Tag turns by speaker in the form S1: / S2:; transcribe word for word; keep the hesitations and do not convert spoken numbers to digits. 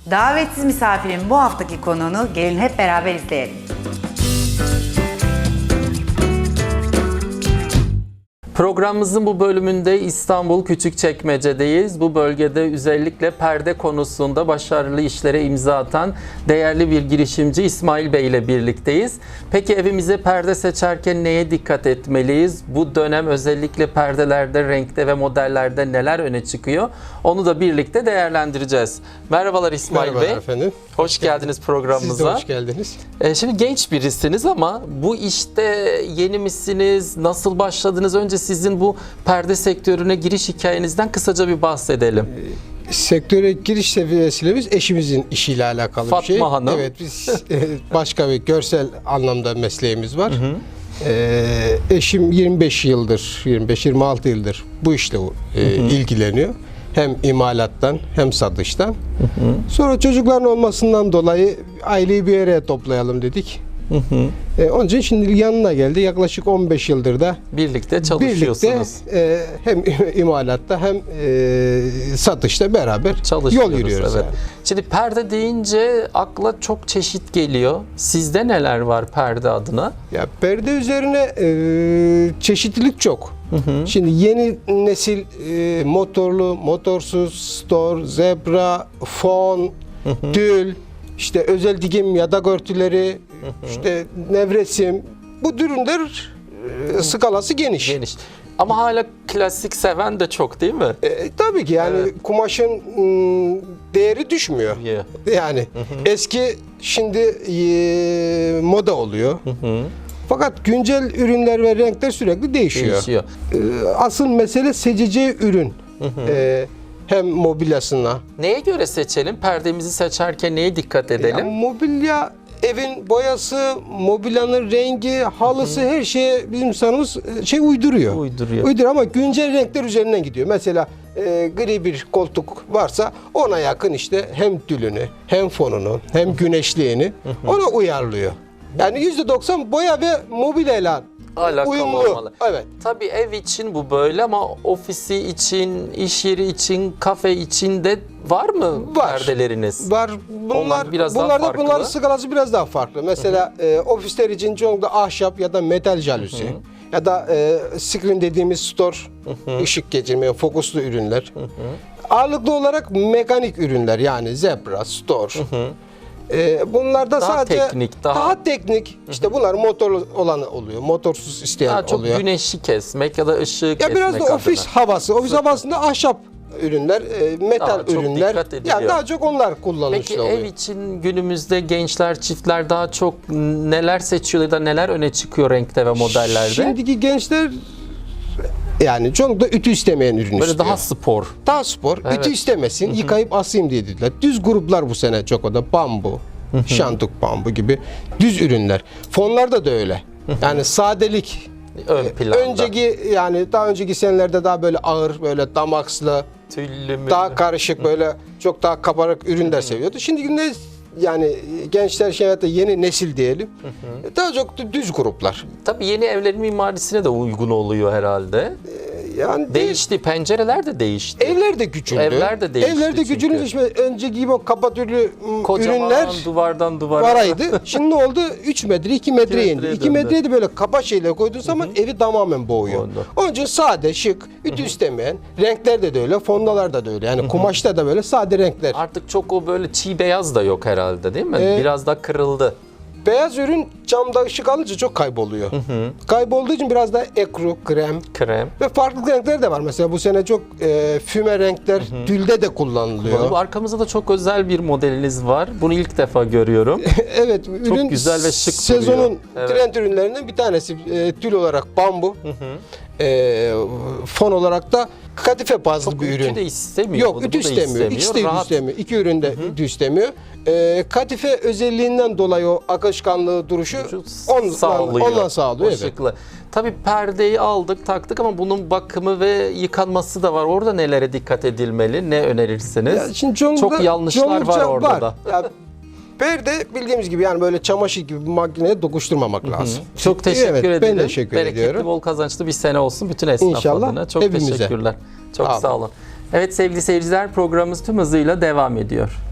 S1: Davetsiz misafirin bu haftaki konuğunu gelin hep beraber izleyelim.
S2: Programımızın bu bölümünde İstanbul Küçükçekmece'deyiz. Bu bölgede özellikle perde konusunda başarılı işlere imza atan değerli bir girişimci İsmail Bey ile birlikteyiz. Peki evimize perde seçerken neye dikkat etmeliyiz? Bu dönem özellikle perdelerde, renkte ve modellerde neler öne çıkıyor? Onu da birlikte değerlendireceğiz. Merhabalar İsmail
S3: Merhabalar
S2: Bey.
S3: efendim.
S2: Hoş geldiniz programımıza.
S3: Siz de hoş geldiniz.
S2: Ee, şimdi genç birisiniz ama bu işte yeni misiniz? Nasıl başladınız? Önce sizin bu perde sektörüne giriş hikayenizden kısaca bir bahsedelim.
S3: Sektöre giriş seviyesiyle biz eşimizin işiyle alakalı
S2: Fatma
S3: bir şey.
S2: Hanım.
S3: Evet, biz e, başka bir görsel anlamda mesleğimiz var. Hı hı. E, eşim yirmi beş yıldır, yirmi beş yirmi altı yıldır bu işle e, hı hı. ilgileniyor. Hem imalattan hem satıştan. Hı hı. Sonra çocukların olmasından dolayı aileyi bir araya toplayalım dedik. Hı hı. E, onun için şimdi yanına geldi. Yaklaşık on beş yıldır da
S2: birlikte çalışıyorsunuz.
S3: Birlikte e, hem imalatta hem e, satışta beraber yol yürüyoruz.
S2: Evet.
S3: Yani.
S2: Şimdi perde deyince akla çok çeşit geliyor. Sizde neler var perde adına?
S3: Ya perde üzerine e, çeşitlilik çok. Hı hı. Şimdi yeni nesil e, motorlu, motorsuz, store, zebra, fon, hı hı. tül, işte özel dikim yatak örtüleri, hı hı. işte nevresim, bu ürünler e, skalası geniş.
S2: Geniş. Ama hala klasik seven de çok değil mi?
S3: E, tabii ki yani evet. Kumaşın m, değeri düşmüyor. Yeah. Yani hı hı. eski şimdi e, moda oluyor. Hı hı. Fakat güncel ürünler ve renkler sürekli değişiyor. Değişiyor. E, asıl mesele seçeceği ürün. Hı hı. E, hem mobilyasına.
S2: Neye göre seçelim? Perdemizi seçerken neye dikkat edelim?
S3: Ya, mobilya, evin boyası, mobilyanın rengi, halısı, hı hı. her şeye bizim insanımız şey uyduruyor.
S2: Uyduruyor.
S3: Uyduruyor ama güncel renkler üzerinden gidiyor. Mesela e, gri bir koltuk varsa ona yakın işte hem tülünü, hem fonunu, hem güneşliğini ona uyarlıyor. Yani yüzde doksan boya ve mobilyayla
S2: alakalı
S3: uyumlu.
S2: Olmalı.
S3: Evet.
S2: Tabii ev için bu böyle ama ofisi için, iş yeri için, kafe için de var mı
S3: var.
S2: Perdeleriniz?
S3: Var. Bunlar biraz bunlar da bunların skalası biraz daha farklı. Mesela e, ofisler için çoğunlukla ahşap ya da metal jaluzi ya da e, screen dediğimiz store, hı hı. ışık geçirmeyen fokuslu ürünler. Hı hı. Ağırlıklı olarak mekanik ürünler yani zebra, store. Hı hı. Ee, bunlar da
S2: daha
S3: sadece
S2: teknik, daha...
S3: daha teknik. İşte bunlar motorlu olanı oluyor. Motorsuz isteyen
S2: daha çok
S3: oluyor.
S2: Çok güneşi kesmek ya da ışığı
S3: ya
S2: kesmek
S3: biraz da
S2: adına.
S3: ofis havası. Ofis Zaten. havasında ahşap ürünler, metal daha ürünler. Yani daha çok onlar kullanılıyor.
S2: Peki oluyor. Ev için günümüzde gençler, çiftler daha çok neler seçiyor ya da neler öne çıkıyor renkte ve modellerde?
S3: Şimdiki gençler yani çok da ütü istemeyen ürün
S2: Böyle
S3: istiyor.
S2: daha spor.
S3: Daha spor. Evet. Ütü istemesin, Hı-hı. yıkayıp asayım diye dediler. Düz gruplar bu sene çok o da bambu, Hı-hı. şantuk bambu gibi düz ürünler. Fonlarda da öyle. Hı-hı. Yani sadelik
S2: ön planda.
S3: Önceki yani daha önceki senelerde daha böyle ağır, böyle damakslı,
S2: tüllü mü?
S3: Daha karışık böyle çok daha kabarık ürünler Hı-hı. seviyordu. Şimdi günde yani gençler şey hayatta yeni nesil diyelim. Hı hı. Daha çok düz gruplar.
S2: Tabii yeni evlerin mimarisine de uygun oluyor herhalde. Ee, yani değişti. De, pencereler de değişti.
S3: Evler de küçüldü.
S2: Evler de değişti.
S3: Evler de küçülünce işte önceki gibi o kapatürlü
S2: kocaman
S3: ürünler
S2: duvardan duvara
S3: varaydı. Şimdi ne oldu? üç metre, iki metre indi. iki metreye de böyle kaba şeyler koyduğun zaman hı hı. evi tamamen boğuyor. Oldu. Onun için sade, şık, ütü hı hı. istemeyen, renklerde de öyle, fondalarda da öyle. Yani hı hı. kumaşta da böyle sade renkler.
S2: Artık çok o böyle çiğ beyaz da yok herhalde değil mi? Ee, Biraz da kırıldı.
S3: Beyaz ürün camda ışık alınca çok kayboluyor. Hı hı. Kaybolduğu için biraz daha ekru, krem,
S2: krem
S3: ve farklı renkler de var. Mesela bu sene çok e, füme renkler hı hı. tülde de kullanılıyor.
S2: Bu arkamızda da çok özel bir modeliniz var. Bunu ilk defa görüyorum.
S3: Evet,
S2: çok
S3: ürün
S2: güzel ve şık
S3: sezonun
S2: duruyor.
S3: Evet. trend ürünlerinden bir tanesi. E, tül olarak bambu. Hı hı. E, fon olarak da kadife bazlı
S2: çok
S3: bir ürün.
S2: Ütü de istemiyor.
S3: Yok, ütü istemiyor. istemiyor. İkisi de ütü istemiyor. İki ürün de hı hı. ütü istemiyor. E, kadife özelliğinden dolayı o akışkanlığı, duruşu ondan sağlıyor. Ondan sağlıyor. Evet.
S2: Tabii perdeyi aldık, taktık ama bunun bakımı ve yıkanması da var. Orada nelere dikkat edilmeli? Ne önerirsiniz? Ya şimdi çok yanlışlar var orada var. da. Ya,
S3: perde bildiğimiz gibi yani böyle çamaşır gibi bir makineye dokuşturmamak Hı-hı. lazım.
S2: Çok teşekkür
S3: evet,
S2: ederim.
S3: Ben teşekkür
S2: Bereketli,
S3: ediyorum.
S2: bol kazançlı bir sene olsun bütün esnaf
S3: İnşallah,
S2: adına. Çok
S3: hepimize.
S2: teşekkürler. Çok Abi. sağ olun. Evet sevgili seyirciler, programımız tüm hızıyla devam ediyor.